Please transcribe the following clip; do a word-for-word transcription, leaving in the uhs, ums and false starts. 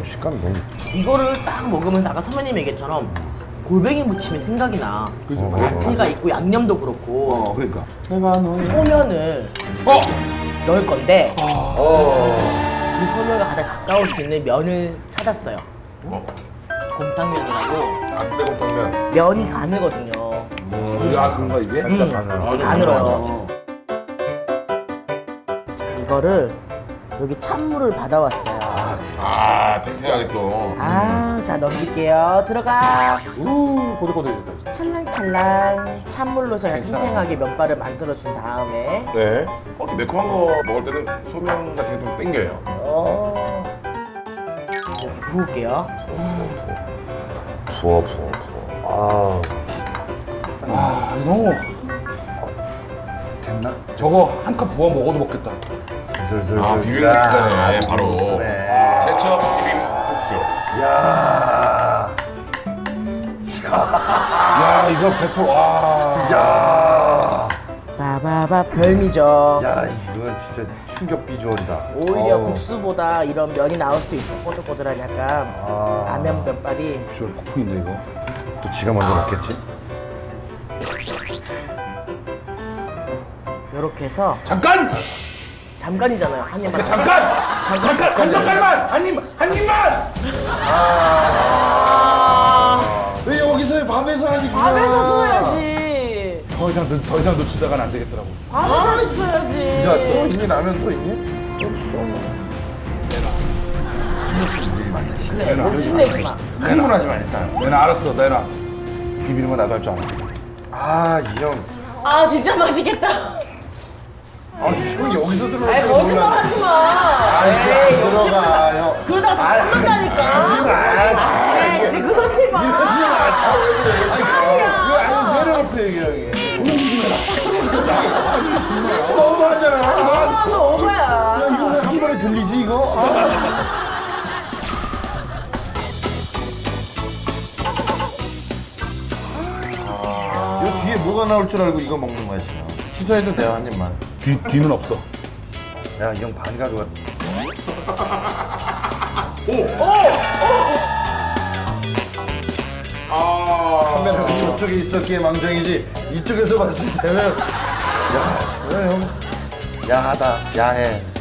식감이 너무. 이거를 딱 먹으면서 아까 선배님 얘기처럼 골뱅이 무침이 생각이 나. 그죠? 어, 야채가 있고 양념도 그렇고 어, 그러니까. 내가 너의. 소면을 어! 넣을 건데 어. 그 소면과 가장 가까울 수 있는 면을 찾았어요. 어? 곰탕면이라고. 아스베곰탕면. 면이 가늘거든요. 어, 야, 그런가, 이게? 일단 음. 가늘. 가늘어요. 어. 이거를 여기 찬물을 받아왔어요. 아, 탱탱하게 또. 아, 자 넘길게요. 들어가. 우, 꼬들꼬들해졌다, 이제. 찰랑찰랑 찬물로서 그냥 괜찮아. 탱탱하게 면발을 만들어준 다음에 네. 어, 매콤한 거 먹을 때는 소면 같은 게 좀 땡겨요. 어 이렇게 부을게요. 부어 부어 부어. 아 아, 이거 너무. 됐나? 저거 한 컵 부어 먹어도 먹겠다. 슬슬슬. 아, 비빔국수네, 바로. 비빔국수네. 제첩 비빔국수. 야. 야, 이거 백 퍼센트, 와. 야. 바바바 별미죠. 야 이건 진짜 충격 비주얼이다. 오히려 어우. 국수보다 이런 면이 나올 수도 있어. 꼬들꼬들한 약간 아. 라면 면발이. 비주얼 폭풍인데, 이거. 또 지가 먼저 먹겠지? 이렇게 해서 잠깐! 잠깐이잖아요. 한 입만. 잠깐! 잠깐! 한 젓갈만! 한 입, 한 입만! 왜 여기서 밤에서 하지? 밥에서 써야지. 더 이상, 놓- 더 이상 놓치다가는 안 되겠더라고. 밥에서 써야지. 이제 왔어? 이게 라면 또 있니? 없어. 그래, 욕심내지 마. 흥분하지 마 일단. 내나 알았어, 내나. 비비는 건 나도 할 줄 알아. 아 이 형. 아 진짜 맛있겠다. 아 이거 여기서 들어가. 아이 거짓말 하지 마. 에이 들어가 욕심 형. 그러다가 다 썩는다니까. 하지 마. 에이 그러지 마. 하지 마. 이거 아니 내려놓고 얘기해. 너무하잖아. 아, 너 오바야. 이거 왜 한 번에 들리지 이거? 아. 이 뒤에 뭐가 나올 줄 알고 이거 먹는 거야 지금. 취소해도 돼요 한 입만. 뒤, 뒤는 없어. 야 이 형 반 가져가. 카메라가 저쪽에 있었기에 망정이지 이쪽에서 봤을 때는 야 이거 형 야하다 야해.